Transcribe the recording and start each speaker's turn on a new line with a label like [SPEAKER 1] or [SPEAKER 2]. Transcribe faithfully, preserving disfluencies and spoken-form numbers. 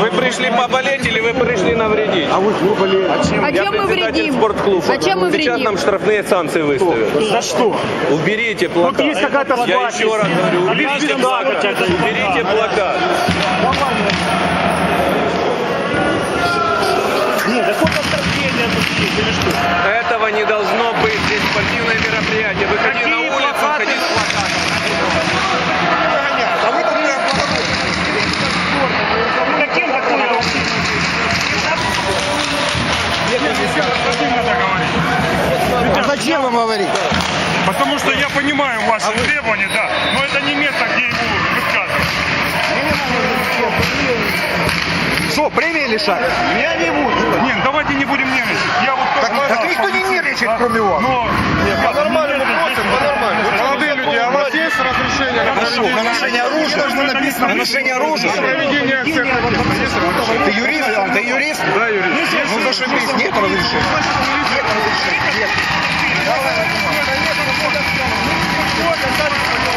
[SPEAKER 1] Вы пришли поболеть или вы пришли навредить?
[SPEAKER 2] А вы что болели?
[SPEAKER 3] А чем, а чем мы вредим?
[SPEAKER 1] Спортклуба.
[SPEAKER 3] А чем мы
[SPEAKER 1] Сейчас
[SPEAKER 3] вредим?
[SPEAKER 1] нам штрафные санкции выставят.
[SPEAKER 2] За что?
[SPEAKER 1] Уберите плакат.
[SPEAKER 2] Тут есть какая-то
[SPEAKER 1] Я
[SPEAKER 2] запись.
[SPEAKER 1] еще раз говорю, уберите плакат. Уберите плакат.
[SPEAKER 2] Нет, да сколько оскорбления тут есть или что?
[SPEAKER 1] Этого не должно быть. Здесь спортивное мероприятие. Выходи
[SPEAKER 2] Какие
[SPEAKER 1] на улицу,
[SPEAKER 2] плакаты?
[SPEAKER 1] выходи с плакатом.
[SPEAKER 2] А вы тут каким такое?
[SPEAKER 4] А зачем вам говорить?
[SPEAKER 5] Потому что я понимаю ваши требования, да, но это не место, где его высказывать.
[SPEAKER 4] Что, премии лишать?
[SPEAKER 5] Я не буду. Нет, давайте не будем нервничать. Я вот
[SPEAKER 4] Так, так никто не нервничает, кроме вас.
[SPEAKER 5] Но
[SPEAKER 4] По-нормальному просим, по-нормальному.
[SPEAKER 5] Молодые люди, а у вас есть разрешение на
[SPEAKER 4] Хорошо, на ношение оружия. Должно написано на ношение оружия.
[SPEAKER 5] проведение акции протеста? Есть разрешение?
[SPEAKER 4] Ты юрист? Ты юрист?
[SPEAKER 5] Да, юрист.
[SPEAKER 4] Ну зашибись, нет разрешения. Нет разрешения. Нет. Давай,